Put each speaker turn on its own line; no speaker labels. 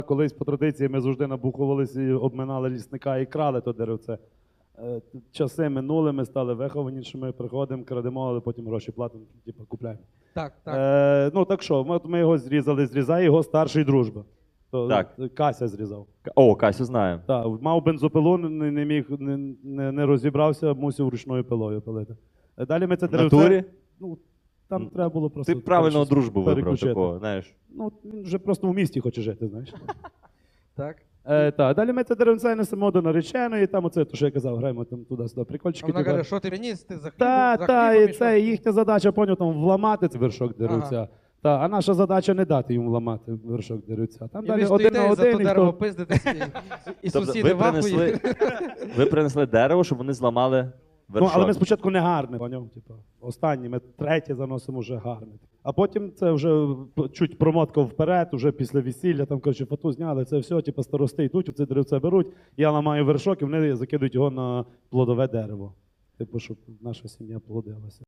Колись по традиції ми завжди набухувалися і обминали лісника і крали то деревце. Часи минули, ми стали вихованішими, приходимо, крадемо, але потім гроші платимо, типу купляємо.
Так, так.
Ну так що, ми його зрізає його старший дружба. То
Так.
Кася зрізав.
О, Касю знаю.
Так, мав бензопилу, не міг, не розібрався, мусив ручною пилою пилити. Далі ми це
В
деревце...
натурі?
Ну, там треба було просто...
Ти правильного
щось
дружбу вибрав
переключити.
такого, знаєш.
Ну, він вже просто в місті хоче жити, знаєш.
Так.
Так, далі ми це деревце несемо до нареченої, там оце, то що я казав, граємо там туди-сюди,
А
прикольчики.
вона каже, що ти приніс, ти за хлібом,
Та, і
хлібом
це
ішов?
їхня задача, поняв, там вламати цей вершок деревця.
Ага.
Та, а наша задача не дати їм вламати вершок деревця. Там
І
далі
ви
один на
стоїте, за
один,
то
і
дерево
хто...
пиздитесь, і
Тобто
сусіди вахують.
ви принесли дерево, щоб вони зламали
Ну,
вершок.
але ми спочатку не гарне, поняв, типу, останні, ми третє заносимо вже гарне. А потім це вже чуть промотка вперед, вже після весілля, там, коротше, фату зняли, це все, типу, старости йдуть, це деревце беруть, я ламаю вершок, і вони закидують його на плодове дерево. Типу, щоб наша сім'я плодилася.